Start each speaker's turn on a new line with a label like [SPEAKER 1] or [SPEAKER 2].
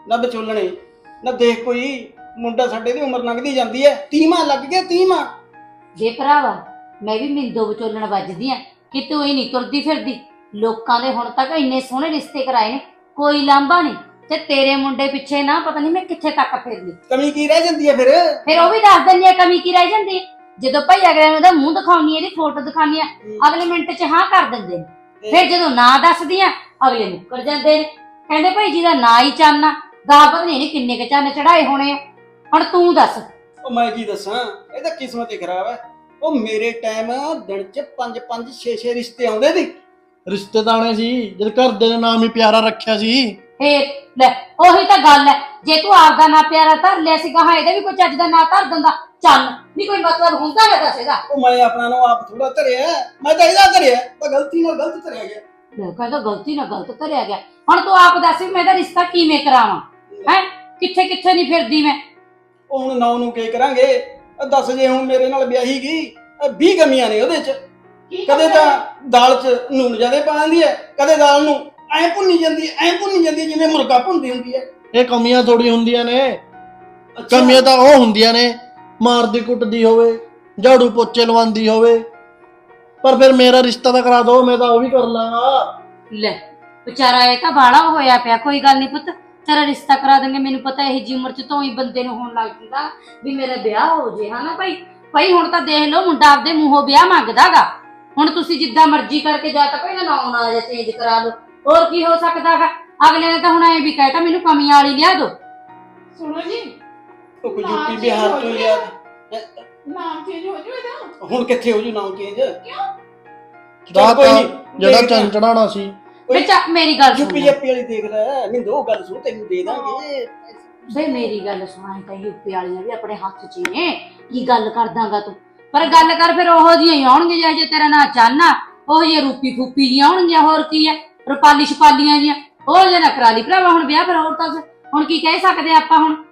[SPEAKER 1] ਨਾ ਵਿਚੋਲਣੇ ਨਾ ਦੇਖ ਕੋਈ ਮੁੰਡਾ ਸਾਡੇ ਦੀ ਉਮਰ ਲੰਘਦੀ ਜਾਂਦੀ ਐ 30ਵਾਂ ਲੱਗ ਗਿਆ 30ਵਾਂ।
[SPEAKER 2] ਜੇ ਭਰਾਵਾ ਮੈਂ ਵੀ ਮਿੰਦੋ ਵਿਚੋਲਣ ਵੱਜਦੀ ਆ ਕਿ ਤੂੰ ਹੀ ਨਹੀਂ ਤੁਰਦੀ ਫਿਰਦੀ। ਲੋਕਾਂ ਦੇ ਹੁਣ ਤੱਕ ਇੰਨੇ ਸੋਹਣੇ ਰਿਸ਼ਤੇ ਕਰਾਏ ਨੇ, ਕੋਈ ਲਾਂਭਾ ਨਹੀਂ, ਤੇ ਤੇਰੇ ਮੁੰਡੇ ਪਿੱਛੇ ਨਾ ਪਤਾ ਨਹੀਂ ਮੈਂ ਕਿੱਥੇ ਤੱਕ ਫਿਰਦੀ।
[SPEAKER 1] ਕਮੀ ਕੀ ਰਹਿ ਜਾਂਦੀ ਐ
[SPEAKER 2] ਫਿਰ ਉਹ ਵੀ ਦੱਸ ਦਿੰਦੀ ਆ ਕਮੀ ਕੀ ਰਹਿ ਜਾਂਦੀ ਹੈ। ਜਦੋਂ ਭਾਈ ਅਗਲੇ ਨੂੰ ਉਹਦਾ ਮੂੰਹ ਦਿਖਾਉਣੀ ਇਹਦੀ ਫੋਟੋ ਦਿਖਾਉਣੀ ਆ, ਅਗਲੇ ਮਿੰਟ 'ਚ ਹਾਂ ਕਰ ਦਿੰਦੇ ਨੇ। ਫਿਰ ਜਦੋਂ ਨਾਂ ਦੱਸਦੀ ਆ ਅਗਲੇ ਮੁੱਕਰ ਜਾਂਦੇ ਨੇ, ਕਹਿੰਦੇ ਭਾਈ ਜਿਹਦਾ ਨਾਂ ਹੀ ਚਾਨਣਾ ਦਾ ਪਤਾ ਨਹੀਂ ਕਿੰਨੇ ਕੁ ਚੰਨ ਚੜਾਏ ਹੋਣੇ ਆ। ਹੁਣ ਤੂੰ ਦੱਸ।
[SPEAKER 1] ਉਹ ਮੈਂ ਕੀ ਦੱਸਾਂ, ਇਹ ਤਾਂ ਕਿਸਮਤ ਹੀ ਖਰਾਬ ਐ। ਉਹ ਮੇਰੇ ਟਾਈਮ ਦਿਨ 'ਚ 5-5 6-6 ਰਿਸ਼ਤੇ ਆਉਂਦੇ ਸੀ।
[SPEAKER 3] ਰਿਸ਼ਤੇਦਾਰਾਂ ਸੀ ਜਦ ਘਰ ਦੇ ਨੇ ਨਾਮ ਹੀ ਪਿਆਰਾ ਰੱਖਿਆ ਸੀ।
[SPEAKER 2] ਫੇਰ ਲੈ ਉਹੀ ਤਾਂ ਗੱਲ ਹੈ, ਜੇ ਤੂੰ ਆਪਦਾ ਨਾਂ ਪਿਆਰਾ ਧਰ ਲਿਆ ਸੀਗਾ ਹਾਂ ਇਹਦਾ ਵੀ ਕੋਈ ਚੱਜ ਦਾ ਨਾਂ ਧਰ ਦਿੰਦਾ ਚੰਨ ਨਹੀਂ ਕੋਈ ਮਤਲਬ ਹੁੰਦਾ ਹੈ ਦੱਸ ਇਹਦਾ।
[SPEAKER 1] ਉਹ ਮੈਂ ਆਪਣਾ ਨੂੰ ਆਪ ਥੋੜਾ ਧਰਿਆ, ਮੈਂ ਤਾਂ ਇਹਦਾ ਧਰਿਆ, ਤਾਂ ਗਲਤੀ ਨਾਲ ਗਲਤ ਧਰਿਆ ਗਿਆ।
[SPEAKER 2] ਲੈ ਕਹਿੰਦਾ ਗਲਤੀ ਨਾਲ ਗਲਤ ਧਰਿਆ ਗਿਆ। ਹੁਣ ਤੂੰ ਆਪ ਦੱਸ ਵੀ ਮੈਂ ਇਹਦਾ ਰਿਸ਼ਤਾ ਕਿਵੇਂ ਕਰਾਵਾਂ? ਹੈ ਕਿੱਥੇ ਕਿੱਥੇ ਨਹੀਂ ਫਿਰਦੀ ਮੈਂ।
[SPEAKER 1] ਉਹ ਹੁਣ ਨੌ ਨੂੰ ਕੀ ਕਰਾਂਗੇ? ਦੱਸ ਜੇ ਹੁਣ ਮੇਰੇ ਨਾਲ ਵਿਆਹੀ ਗਈ 20 ਕਮੀਆਂ ਨੇ ਉਹਦੇ 'ਚ। ਕਦੇ ਤਾਂ ਦਾਲ 'ਚ ਨੂਣ ਜ਼ਿਆਦਾ ਪਾ ਦਿੰਦੀ ਐ, ਕਦੇ ਦਾਲ ਨੂੰ ਐਂ ਭੁੰਨੀ ਜਾਂਦੀ ਜਿਵੇਂ ਮੁਰਗਾ ਭੁੰਨਦੀ ਹੁੰਦੀ ਐ।
[SPEAKER 3] ਇਹ ਕਮੀਆਂ ਥੋੜੀ ਹੁੰਦੀਆਂ ਨੇ, ਕਮੀਆਂ ਤਾਂ ਉਹ ਹੁੰਦੀਆਂ ਨੇ ਮਾਰਦੀ ਕੁੱਟਦੀ ਹੋਵੇ, ਝਾੜੂ ਪੋਚੇ ਲਵਾਉਂਦੀ ਹੋਵੇ। ਪਰ ਫਿਰ ਮੇਰਾ ਰਿਸ਼ਤਾ ਤਾਂ ਕਰਾ ਦੋ, ਮੈਂ ਤਾਂ ਉਹ ਵੀ ਕਰ ਲਾਂਗਾ।
[SPEAKER 2] ਲੈ ਵਿਚਾਰਾ ਇਹ ਤਾਂ ਬਾੜਾ ਹੋਇਆ ਪਿਆ। ਕੋਈ ਗੱਲ ਨਹੀਂ ਪੁੱਤ, ਤੇਰਾ ਰਿਸ਼ਤਾ ਕਰਾ ਦੇਂਗੇ। ਮੈਨੂੰ ਪਤਾ ਇਹ ਜੀ ਉਮਰ 'ਚ ਤੋਂ ਹੀ ਬੰਦੇ ਨੂੰ ਹੋਣ ਲੱਗ ਜਾਂਦਾ ਵੀ ਮੇਰਾ ਵਿਆਹ ਹੋ ਜੇ, ਹਨਾ ਭਾਈ ਹੁਣ ਤਾਂ ਦੇਖ ਲਓ ਮੁੰਡਾ ਆਪਦੇ ਮੂੰਹੋਂ ਵਿਆਹ ਮੰਗਦਾਗਾ। ਹੁਣ ਤੁਸੀਂ ਜਿੱਦਾਂ ਮਰਜ਼ੀ ਕਰਕੇ ਜਾਂ ਤਾਂ ਕੋਈ ਨਾ ਨਾ ਜਾਂ ਚੇਂਜ ਕਰਾ ਲਓ, ਹੋਰ ਕੀ ਹੋ ਸਕਦਾਗਾ। ਅਗਲੇ ਨੇ ਤਾਂ ਹੁਣ ਐ ਵੀ ਕਹਿਤਾ ਮੈਨੂੰ ਕਮੀਆਂ ਵਾਲੀ ਲਿਆ ਦੋ।
[SPEAKER 4] ਸੁਣੋ ਜੀ,
[SPEAKER 1] ਉਹ ਕੋਈ ਯੂਪੀ ਬਿਹਾਰ ਤੋਂ ਲਿਆ
[SPEAKER 4] ਨਾਮ ਚੇਂਜ ਹੋ ਜੂ ਇਹਦਾ।
[SPEAKER 1] ਹੁਣ ਕਿੱਥੇ ਹੋ ਜੂ ਨਾਮ ਚੇਂਜ?
[SPEAKER 3] ਦਾ
[SPEAKER 1] ਕੋਈ ਨੀ,
[SPEAKER 3] ਜਿਹੜਾ
[SPEAKER 1] ਦੇਖਦੇ
[SPEAKER 3] ਚੰਨ ਚੜਾਉਣਾ ਸੀ।
[SPEAKER 2] ਬੱਚਾ ਮੇਰੀ ਗੱਲ
[SPEAKER 1] ਯੂਪੀ
[SPEAKER 2] ਸੁਣ
[SPEAKER 1] ਜੱਪੀ ਵਾਲੀ ਦੇਖ ਲੈ, ਮੈਨੂੰ ਦੋ ਗੱਲ ਸੁਣ, ਤੈਨੂੰ ਦੇ ਦਾਂਗੇ।
[SPEAKER 2] ਬਈ ਮੇਰੀ ਗੱਲ ਸੁਣਾ, ਤਾਂ ਯੂਪੀ ਵਾਲੀਆਂ ਵੀ ਆਪਣੇ ਹੱਥ 'ਚ ਨੇ। ਕੀ ਗੱਲ ਕਰਦਾਂਗਾ ਤੂੰ? ਪਰ ਗੱਲ ਕਰ ਫਿਰ ਉਹੋ ਜਿਹੀਆਂ ਹੀ ਆਉਣਗੀਆਂ ਜੇ ਤੇਰਾ ਨਾਂ ਚਾਨਣਾ, ਉਹ ਜਿਹੇ ਰੂਪੀ ਫੂਪੀ ਜੀਆਂ ਆਉਣਗੀਆਂ। ਹੋਰ ਕੀ ਹੈ, ਰੁਪਾਲੀ ਛਪਾਲੀਆਂ ਜੀਆਂ ਉਹ ਜੇ ਨਾ ਕਰਾ ਲਈ ਭਰਾਵਾ ਹੁਣ ਵਿਆਹ। ਫਿਰ ਹੋਰ ਤਾਂ ਹੁਣ ਕੀ ਕਹਿ ਸਕਦੇ ਆਪਾਂ ਹੁਣ?